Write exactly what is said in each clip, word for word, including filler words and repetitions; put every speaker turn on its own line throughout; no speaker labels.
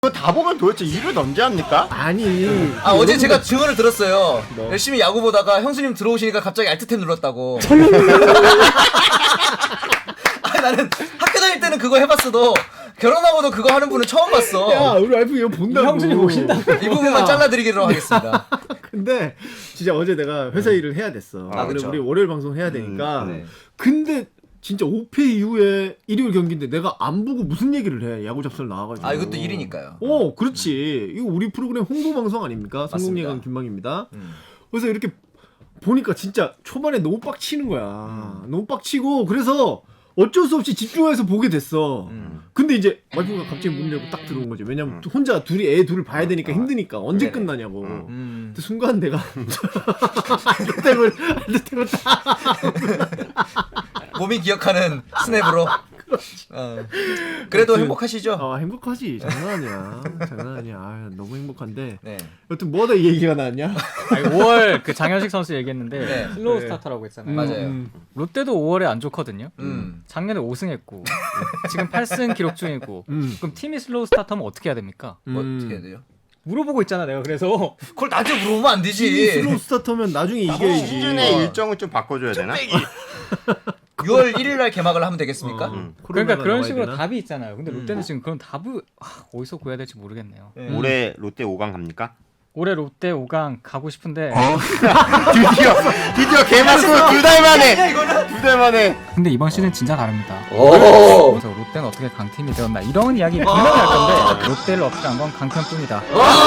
그거 다 보면 도대체 일을 언제 합니까?
아니.
아 어제 제가 증언을 들었어요.
뭐?
열심히 야구 보다가 형수님 들어오시니까 갑자기 알트탭 눌렀다고. 아 나는 학교 다닐 때는 그거 해봤어도 결혼하고도 그거 하는 분은 처음 봤어.
야, 우리 와이프 이거 본다고.
형수님 보신다.
이 부분만 잘라드리기로 하겠습니다.
근데 진짜 어제 내가 회사 일을 해야 됐어.
아,
근데
그쵸.
우리 월요일 방송 해야 되니까.
음, 네.
근데 진짜 오 패 이후에 일요일 경기인데 내가 안 보고 무슨 얘기를 해? 야구 잡설 나와가지고.
아 이것도 일이니까요.
어, 그렇지. 이거 우리 프로그램 홍보 방송 아닙니까?
맞습니다.
성공예감 김방입니다.
음.
그래서 이렇게 보니까 진짜 초반에 너무 빡치는 거야. 음. 너무 빡치고 그래서 어쩔 수 없이 집중해서 보게 됐어.
음.
근데 이제 와이프가 갑자기 문 열고 딱 들어온 거지. 왜냐면
음.
혼자 둘이 애 둘을 봐야 되니까 힘드니까 언제
네네.
끝나냐고.
음.
음.
근데 순간 내가 알트탭을 알트탭을 딱
몸이 기억하는 스냅으로. 어. 그래도
아무튼,
행복하시죠?
아 행복하지. 장난 아니야. 장난 아니야. 아, 너무 행복한데.
네.
여튼 뭐하다 이 얘기가 나왔냐?
아니, 오월 그 장현식 선수 얘기했는데
네.
슬로우
네.
스타터라고 했잖아요.
맞아요.
음.
롯데도 오월에 안 좋거든요.
음.
작년에 오 승했고 지금 팔 승 기록 중이고
음.
그럼 팀이 슬로우 스타터면 어떻게 해야 됩니까?
뭐
음.
어떻게 해야 돼요?
물어보고 있잖아 내가. 그래서
그걸 나한테 물어보면 안
팀이
되지.
슬로우 스타터면 나중에 이겨야지.
시즌의
어.
일정을 좀 바꿔줘야 되나?
유월 일일 날 개막을 하면 되겠습니까?
어,
음.
그러니까
코로나가
그런
나와야
식으로
되나?
답이 있잖아요. 근데
음.
롯데는 지금 그런 답을 아, 어디서 구해야 될지 모르겠네요.
네.
올해 롯데 오 강 갑니까?
올해 롯데 오 강 가고 싶은데
드디어 드디어 개막으로 두 달 만에 두 달 만에.
근데 이번 시즌 진짜 다릅니다.
오.
그래서 롯데는 어떻게 강팀이 되었나 이런 이야기 분명히 할 건데 롯데를 업그레이드한 건 강편뿐이다.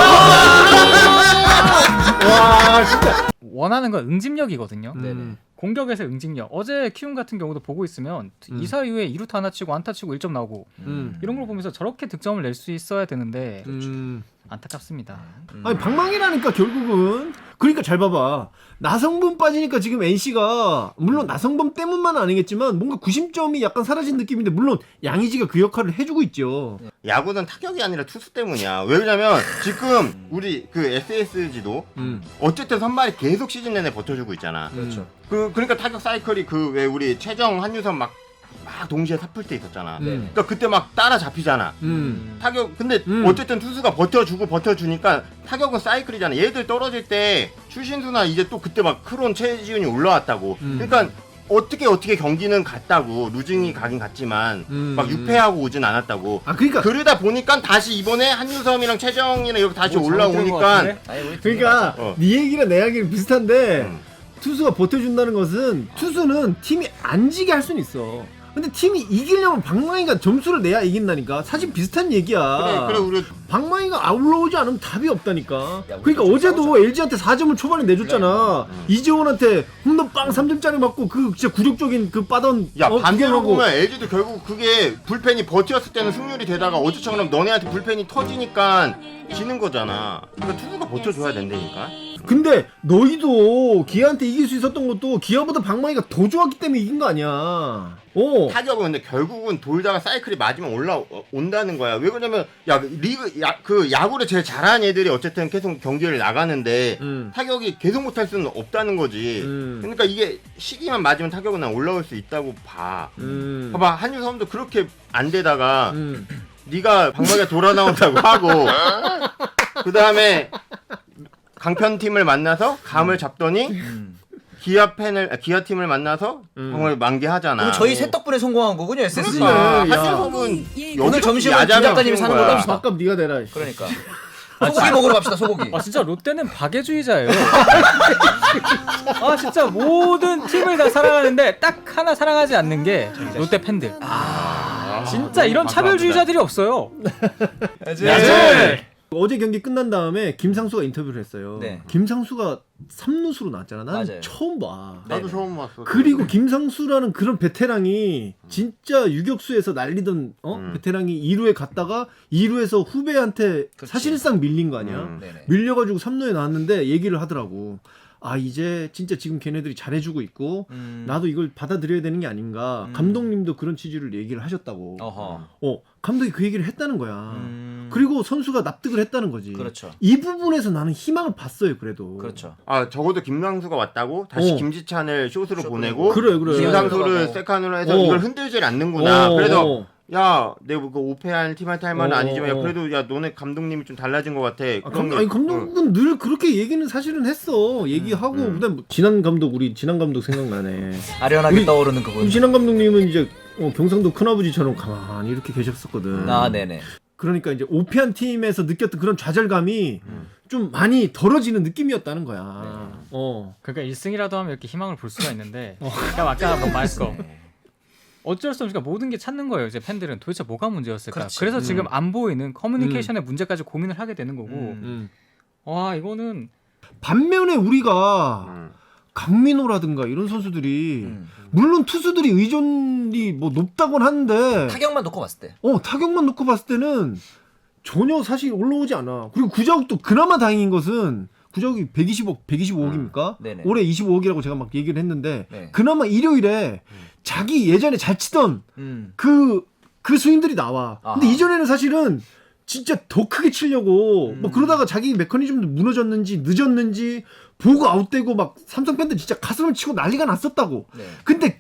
와 진짜.
원하는 건 응집력이거든요.
음.
공격에서 응집력. 어제 키움 같은 경우도 보고 있으면
음.
이 사 이후에 이 루타 하나 치고 안타 치고 일 점 나오고
음.
이런 걸 보면서 저렇게 득점을 낼 수 있어야 되는데
음.
안타깝습니다.
아니 방망이라니까 결국은. 그러니까 잘 봐봐. 나성범 빠지니까 지금 엔씨가 물론 나성범 때문만 아니겠지만 뭔가 구심점이 약간 사라진 느낌인데 물론 양의지가 그 역할을 해주고 있죠.
야구는 타격이 아니라 투수 때문이야. 왜냐면 지금 우리 그 에스에스지도
음.
어쨌든 선발이 계속 시즌 내내 버텨주고 있잖아.
그렇죠.
그 그러니까 타격 사이클이 그 왜 우리 최정 한유선 막 막 동시에 삽을 때 있었잖아.
음.
그러니까 그때 막 따라 잡히잖아.
음.
타격 근데
음.
어쨌든 투수가 버텨주고 버텨주니까 타격은 사이클이잖아. 얘들 떨어질 때 추신수나 이제 또 그때 막 크론 최지훈이 올라왔다고.
음.
그러니까 어떻게 어떻게 경기는 갔다고. 루징이 가긴 갔지만
음.
막 육 패하고 오진 않았다고.
아 그러니까
그러다 보니까 다시 이번에 한유섬이랑 최정이랑 이렇게 다시
뭐 잘못 들은 것
올라오니까
같은데?
아니, 우리
그러니까
어.
네 얘기랑 내 얘기랑 비슷한데
음.
투수가 버텨준다는 것은 투수는 팀이 안 지게 할 수는 있어. 근데 팀이 이기려면 방망이가 점수를 내야 이긴다니까. 사실 비슷한 얘기야.
그래 그래 우리
방망이가 올라오지 않으면 답이 없다니까.
야, 우리
그러니까
좀
어제도
싸우자.
엘지한테 사 점을 초반에 내줬잖아.
음.
이재원한테 홈런 빵 삼 점짜리 맞고 그 진짜 굴욕적인 그 빠던
야
어,
반대로
구경하고.
보면 엘지도 결국 그게 불펜이 버텼을 때는 승률이 되다가 어제처럼 너네한테 불펜이 터지니까 지는 거잖아. 그러니까 투수가 버텨줘야 된다니까.
근데 너희도 기아한테 이길 수 있었던 것도 기아보다 방망이가 더 좋았기 때문에 이긴 거 아니야. 어.
타격은 근데 결국은 돌다가 사이클이 맞으면 올라온다는 거야. 왜 그러냐면 야 리그 야, 그 야구를 제일 잘하는 애들이 어쨌든 계속 경기를 나가는데
음.
타격이 계속 못할 수는 없다는 거지.
음.
그러니까 이게 시기만 맞으면 타격은 난 올라올 수 있다고 봐.
음.
봐봐 한유섬도 그렇게 안 되다가
음.
네가 방망이가 돌아 나온다고 하고 그 다음에 강편 팀을 만나서 감을 잡더니
음.
기아 팬을 아, 기아 팀을 만나서
음.
방을 만개하잖아.
그럼 저희 셋 덕분에 성공한 거군요, 에스에스지.
그러니까
야.
한유섬은
오늘 점심은
야자를
김 작가님이
키운
사는
거야.
걸로 합시다.
밥값 네가 내라.
그러니까. 소고기 먹으러 갑시다, 소고기.
아 진짜 롯데는 박애주의자예요. 아 진짜 모든 팀을 다 사랑하는데 딱 하나 사랑하지 않는 게 롯데 팬들. 아 진짜 이런 차별주의자들이 없어요.
야제.
어제 경기 끝난 다음에 김상수가 인터뷰를 했어요.
네.
김상수가 삼 루수로 나왔잖아. 나는
맞아요.
처음 봐.
나도
네네.
처음 봤어.
그리고 김상수라는 그런 베테랑이 진짜 유격수에서 날리던 어?
음.
베테랑이 이 루에 갔다가 이 루에서 후배한테
그치.
사실상 밀린 거 아니야.
음.
네네.
밀려가지고 삼 루에 나왔는데 얘기를 하더라고. 아 이제 진짜 지금 걔네들이 잘해주고 있고
음.
나도 이걸 받아들여야 되는 게 아닌가.
음.
감독님도 그런 취지를 얘기를 하셨다고.
어허.
어 감독이 그 얘기를 했다는 거야.
음.
그리고 선수가 납득을 했다는 거지.
그렇죠.
이 부분에서 나는 희망을 봤어요. 그래도.
그렇죠.
아 적어도 김상수가 왔다고 다시
어.
김지찬을 숏으로
숏
보내고
그래 그래.
김상수를
들어가고.
세칸으로 해서
어.
이걸 흔들질 않는구나.
어,
그래서
어.
야, 내가 그 오페한 팀한테 할 말은
어,
아니지만 야
어.
그래도 야 너네 감독님이 좀 달라진 것 같아.
아,
그런
감,
게-
아니
응.
감독은 늘 그렇게 얘기는 사실은 했어. 얘기하고
음.
그다음 지난 감독 우리 지난 감독 생각나네.
아련하게
우리-
떠오르는 그분.
우리 지난 감독님은 이제 어, 경상도 큰아버지처럼 가만히 이렇게 계셨었거든.
아 네네.
그러니까 이제 오피한 팀에서 느꼈던 그런 좌절감이 좀 많이 덜어지는 느낌이었다는 거야. 어.
그러니까 일 승이라도 하면 이렇게 희망을 볼 수가 있는데 그러니까 아까 뭐 말했어. 어쩔 수 없으니까 모든 게 찾는 거예요. 이제 팬들은 도대체 뭐가 문제였을까.
그렇지.
그래서
음.
지금 안 보이는 커뮤니케이션의 문제까지 고민을 하게 되는 거고.
음.
음.
와 이거는
반면에 우리가
음.
강민호라든가 이런 선수들이
음.
물론 투수들이 의존이 뭐 높다곤 하는데
타격만 놓고 봤을 때.
어 타격만 놓고 봤을 때는 전혀 사실 올라오지 않아. 그리고 구자욱도 그나마 다행인 것은 구자욱이 백이십억, 백이십오억입니까?
네네.
올해 이십오억이라고 제가 막 얘기를 했는데
네.
그나마 일요일에 자기 예전에 잘 치던
음.
그, 그 스윙들이 나와. 근데
아하.
이전에는 사실은 진짜 더 크게 치려고
음.
뭐 그러다가 자기 메커니즘도 무너졌는지 늦었는지 보고 아웃되고 막 삼성 팬들 진짜 가슴을 치고 난리가 났었다고.
네.
근데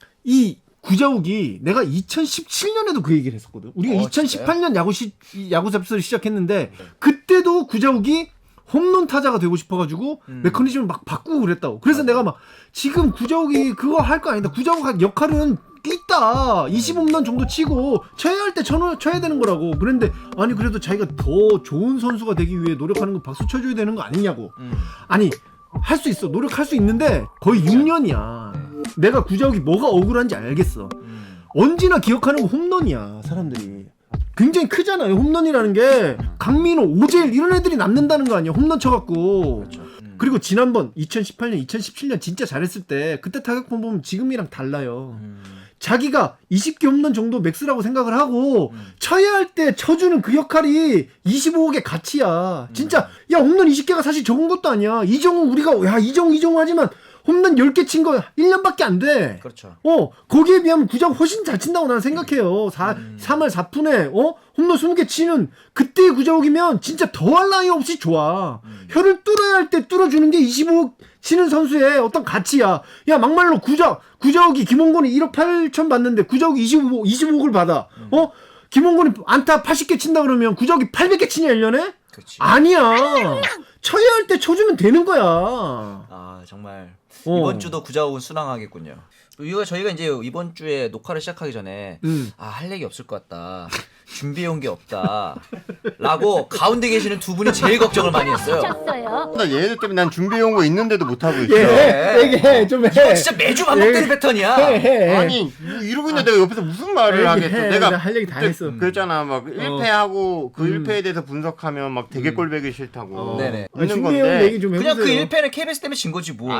이 구자욱이 내가 이천십칠 년에도 그 얘기를 했었거든. 우리가
어,
이천십팔 년 야구 시 야구 잡스를 시작했는데 그때도 구자욱이 홈런 타자가 되고 싶어가지고
음.
메커니즘을 막 바꾸고 그랬다고. 그래서 내가 막 지금 구자욱이 그거 할 거 아니다. 구자욱 역할은 있다. 이십 홈런 정도 치고 쳐야 할 때 쳐야, 쳐야 되는 거라고. 그런데 아니 그래도 자기가 더 좋은 선수가 되기 위해 노력하는 거 박수 쳐줘야 되는 거 아니냐고.
음.
아니 할 수 있어. 노력할 수 있는데 거의 육 년이야. 내가 구자욱이 뭐가 억울한지 알겠어.
음.
언제나 기억하는 거 홈런이야. 사람들이. 굉장히 크잖아요. 홈런이라는 게 강민호, 오재일 이런 애들이 남는다는 거 아니야. 홈런 쳐갖고.
그렇죠. 음.
그리고 지난번 이천십팔 년, 이천십칠 년 진짜 잘했을 때 그때 타격폼 보면 지금이랑 달라요.
음.
자기가 이십 개 홈런 정도 맥스라고 생각을 하고
음.
쳐야 할 때 쳐주는 그 역할이 이십오억의 가치야. 진짜 야 홈런 이십 개가 사실 적은 것도 아니야. 이정우 우리가 야 이정우 이정우 하지만 홈런 열 개 친 거 일 년밖에 안 돼.
그렇죠.
어 거기에 비하면 구자욱 훨씬 잘 친다고 나는 생각해요. 사,
음.
삼 할 사 푼에 어 홈런 스무 개 치는 그때의 구자욱이면 진짜 더할 나위 없이 좋아.
음.
혀를 뚫어야 할 때 뚫어주는 게 이십오억 치는 선수의 어떤 가치야. 야 막말로 구자 구자욱이 김홍곤이 일억 팔천 받는데 구자욱이 이십오, 이십오억을 받아.
음.
어 김홍곤이 안타 팔십 개 친다 그러면 구자욱이 팔백 개 치냐 일 년에?
그렇지.
아니야. 쳐야 할 때 쳐주면 되는 거야.
아 정말
어.
이번 주도 구자욱은 순항하겠군요. 이거 저희가 이제 이번 주에 녹화를 시작하기 전에
음.
아 할 얘기 없을 것 같다. 준비해 온 게 없다. 라고 가운데 계시는 두 분이 제일 걱정을 많이 했어요.
어.
나 얘네들 때문에 난 준비해온 거 있는데도 못하고 있어.
예, 얘기해 좀 해.
이거 진짜 매주 반복되는
예.
패턴이야.
해, 해.
아니 이러고 있는데 내가 옆에서 무슨 말을
얘기해.
하겠어. 내가
내가 할 얘기 다
그때
했어.
그랬잖아. 막 일 패하고 그
음.
일 패에 대해서 분석하면 막 되게
음.
꼴배기 싫다고.
어.
네네.
아,
있는
준비해온
건데.
얘기 좀 해보세요.
그냥 그 일 패는 케이비에스 때문에 진 거지 뭐.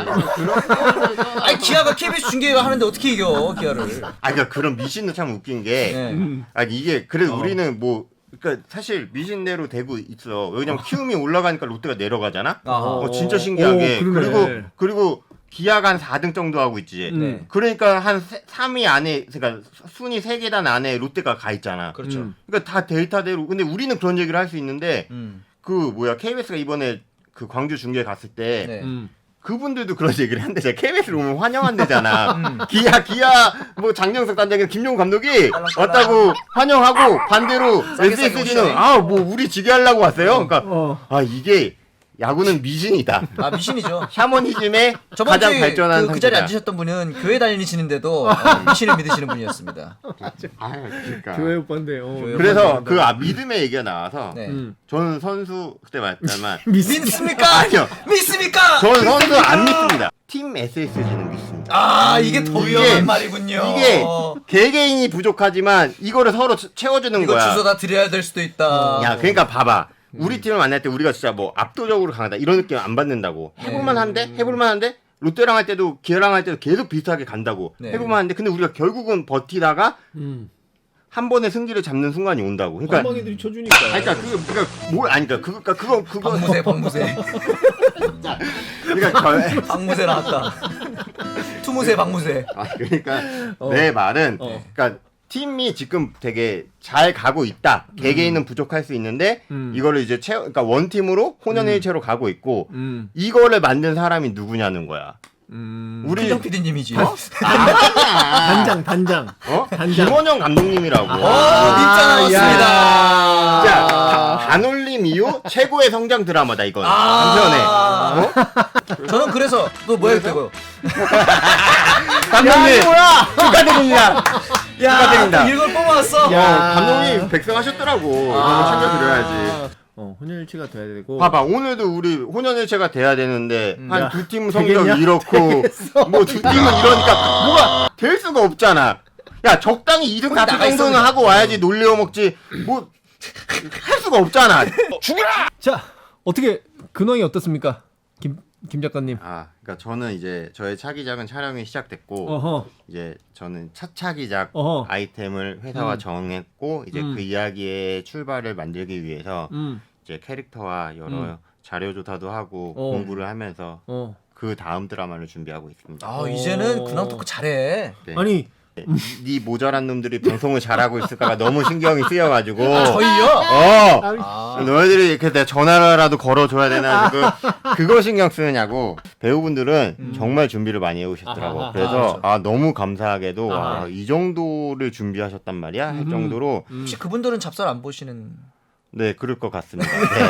아니 기아가 케이비에스 중계가 하는데 어떻게 이겨 기아를.
아 그러니까 그런 미신도 참 웃긴 게
네.
음.
아니 이게 그래도
어.
우리는 뭐 그러니까 사실 미신대로 되고 있어. 왜냐면 키움이 올라가니까 롯데가 내려가잖아.
아하.
어 진짜 신기하게.
오, 그러네.
그리고 그리고 기아가 한 사 등 정도 하고 있지.
음.
네.
그러니까 한 삼 위 안에 그러니까 순위 세 계단 안에 롯데가 가 있잖아.
그렇죠.
음.
그러니까 다 데이터대로. 근데 우리는 그런 얘기를 할 수 있는데
음.
그 뭐야 케이비에스가 이번에 그 광주 중계 갔을 때
네.
음.
그분들도 그런 얘기를 한대. 제가 케이비에스로 오면 환영한대잖아.
음.
기아 기아 뭐 장정석 단장이 김용우 감독이
딸랑딸랑.
왔다고 환영하고 반대로
싸게 싸게
에스에스지는
오시네.
아 뭐 우리 지게 하려고 왔어요. 그러니까
어.
아 이게 야구는 미신이다.
아 미신이죠.
샤머니즘의
저번
가장
주에
발전한
그, 그 자리에
상태다.
앉으셨던 분은 교회 다니시는데도 어, 미신을 믿으시는 분이었습니다.
아 그러니까.
교회 오빠인데. 어.
교회
그래서 그 아, 믿음의 얘기가 나와서
네.
음.
저는 선수 그때 말했지만
믿습니까?
아니요.
믿습니까?
저는 선수 안 믿습니다. 팀 에스에스지는 믿습니다.
아 이게 더
이게-
위험한 말이군요.
이게 개개인이 부족하지만 이거를 서로 채- 채워주는
이거
거야.
주소 다 드려야 될 수도 있다.
야, 그러니까 봐봐. 우리 팀을 만날 때 우리가 진짜 뭐 압도적으로 강하다 이런 느낌 안 받는다고. 해볼만 한데? 해볼만 한데? 롯데랑 할 때도 기아랑 할 때도 계속 비슷하게 간다고.
네.
해볼만 한데 근데 우리가 결국은 버티다가
음.
한 번에 승기를 잡는 순간이 온다고. 그러니까
방망이들이 쳐주니까.
아니, 그러니까 그 그러니까 뭘 아니 그러니까 그거 그거 그거
박무새 박무새
그러니까 저
박무새 나왔다. 투무새 박무새.
아, 그러니까
어.
내 말은
어.
그러니까 팀이 지금 되게 잘 가고 있다. 개개인은 부족할 수 있는데
음.
이거를 이제 채워 그러니까 원 팀으로 혼연일체로 가고 있고
음.
이거를 만든 사람이 누구냐는 거야.
음...
우리
김정 피디님이지.
어?
단장 단장.
어?
단장.
김원영 감독님이라고.
오, 밉자 나왔습니다.
자, 가- 반올림 이후 최고의 성장 드라마다 이건.
아.
한편에. 어?
저는 그래서 또 뭐야 되고요.
감독님 축하드립니다.
야,
축하드립니다.
또 이걸 뽑아왔어.
야.
어, 감독님 백성하셨더라고. 이런 거 챙겨드려야지.
어, 혼혈일치가 돼야 되고.
봐봐, 오늘도 우리 혼연일체가 돼야 되는데 한
야,
두 팀
되겠냐?
성적 이렇고 뭐 두 팀은 이러니까 뭐가 될 수가 없잖아. 야, 적당히 이 등 사 등
나가
정도는
있어.
하고 와야지 놀려 먹지. 뭐 할 수가 없잖아.
자, 어떻게 근황이 어떻습니까? 김, 김 작가님.
아, 그러니까 저는 이제 저의 차기작은 촬영이 시작됐고
어허.
이제 저는 첫 차기작
어허.
아이템을 회사와
음.
정했고 이제
음.
그 이야기의 출발을 만들기 위해서
음.
이제 캐릭터와 여러
음.
자료 조사도 하고
어.
공부를 하면서
어.
그 다음 드라마를 준비하고 있습니다.
아, 이제는 근황 토크 잘해.
네.
아니,
네, 네 모자란 놈들이 방송을 잘하고 있을까가 너무 신경이 쓰여가지고
저희요?
어
아,
너희들이 이렇게 내가 전화라도 걸어줘야 되나 그 그거 신경 쓰느냐고 배우분들은 정말 준비를 많이 해오셨더라고.
아하,
그래서 아 너무 감사하게도
아하.
와, 이 정도를 준비하셨단 말이야 할 정도로
음.
혹시 그분들은 잡설 안 보시는?
네 그럴 것 같습니다. 네.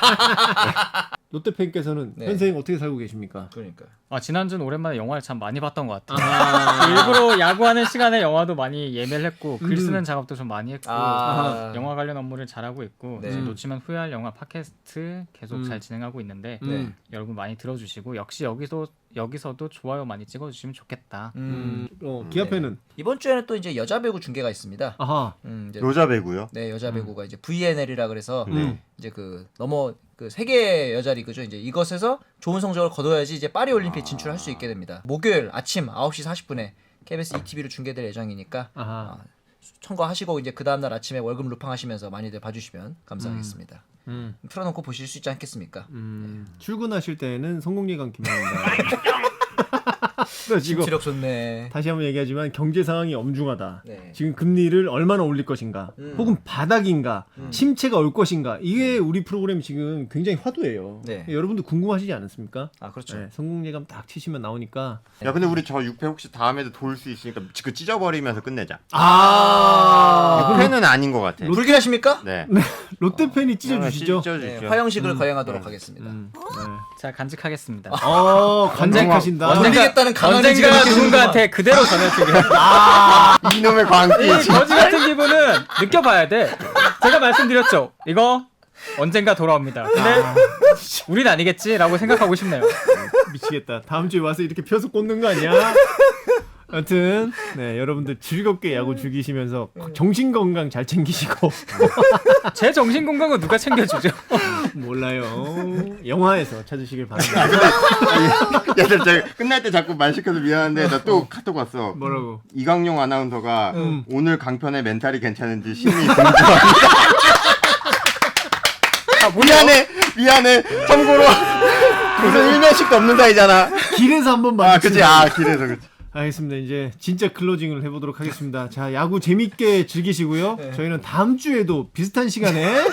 롯데 팬께서는
네.
현생 어떻게 살고 계십니까?
그러니까.
아, 지난주는 오랜만에 영화를 참 많이 봤던 것 같아요.
아.
일부러 야구하는 시간에 영화도 많이 예매를 했고 글
음.
쓰는 작업도 좀 많이 했고
아.
영화 관련 업무를 잘하고 있고
네.
이제 놓치면 후회할 영화 팟캐스트 계속
음.
잘 진행하고 있는데
네.
음.
여러분 많이 들어주시고 역시 여기서 여기서도 좋아요 많이 찍어주시면 좋겠다.
음.
음. 어, 기아팬은
이번 주에는 또 이제 여자 배구 중계가 있습니다.
아하.
음, 이제
여자 배구요?
네, 여자 배구가 이제 브이엔엘이라 그래서
음.
이제 그 넘어 그 세계 여자 리그죠. 이제 이것에서 좋은 성적을 거둬야지 이제 파리 올림픽 진출할 수 있게 됩니다. 목요일 아침 아홉 시 사십 분에 케이비에스 이티비로 중계될 예정이니까
아하.
아, 청과하시고 이제 그 다음 날 아침에 월급 루팡하시면서 많이들 봐주시면 감사하겠습니다.
음.
틀어놓고 보실 수 있지 않겠습니까?
음. 출근하실 때는 성공예감 김영입니다. 지금
지력 좋네.
다시 한번 얘기하지만 경제 상황이 엄중하다.
네.
지금 금리를 얼마나 올릴 것인가,
음.
혹은 바닥인가,
음.
침체가 올 것인가. 이게 우리 프로그램 지금 굉장히 화두예요.
네.
여러분들 궁금하시지 않습니까?
아 그렇죠.
네, 성공예감 딱 치시면 나오니까.
야 근데 우리 저 육 회 혹시 다음에도 돌 수 있으니까 그 찢어버리면서 끝내자.
아,
육 회는 아닌 것 같아.
불길하십니까?
네.
롯데 팬이 찢어주시죠.
네,
찢어주시죠.
화형식을 거행하도록 하겠습니다.
음, 네.
자 간직하겠습니다.
어, 간직하신다.
언젠가- 던지겠다는 강한의
언젠가
지갑이
누군가한테 그대로 전해주기로.
이놈의 광기.
이 거지 같은 기분은 느껴봐야 돼. 제가 말씀드렸죠. 이거 언젠가 돌아옵니다. 근데 우린 아니겠지라고 생각하고 싶네요.
미치겠다. 다음 주에 와서 이렇게 펴서 꽂는 거 아니야? 아무튼 네 여러분들 즐겁게 야구 즐기시면서 정신 건강 잘 챙기시고
제 정신 건강은 누가 챙겨주죠?
몰라요 영화에서 찾으시길 바랍니다.
야, 나 저 끝날 때 자꾸 말 시켜서 미안한데 나 또 카톡 왔어.
뭐라고?
이강용 아나운서가
음.
오늘 강편의 멘탈이 괜찮은지 심히 궁금합니다. 아, 미안해, 미안해. 참고로 무슨 일면식도 없는 사이잖아.
길에서 한번
아,
마주치는
그치. 아, 길에서 그치.
알겠습니다. 이제 진짜 클로징을 해보도록 하겠습니다. 자, 야구 재밌게 즐기시고요. 저희는 다음 주에도 비슷한 시간에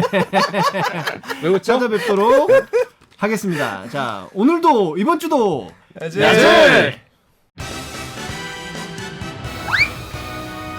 왜 웃죠?
찾아뵙도록 하겠습니다. 자, 오늘도 이번 주도
야질!
야질!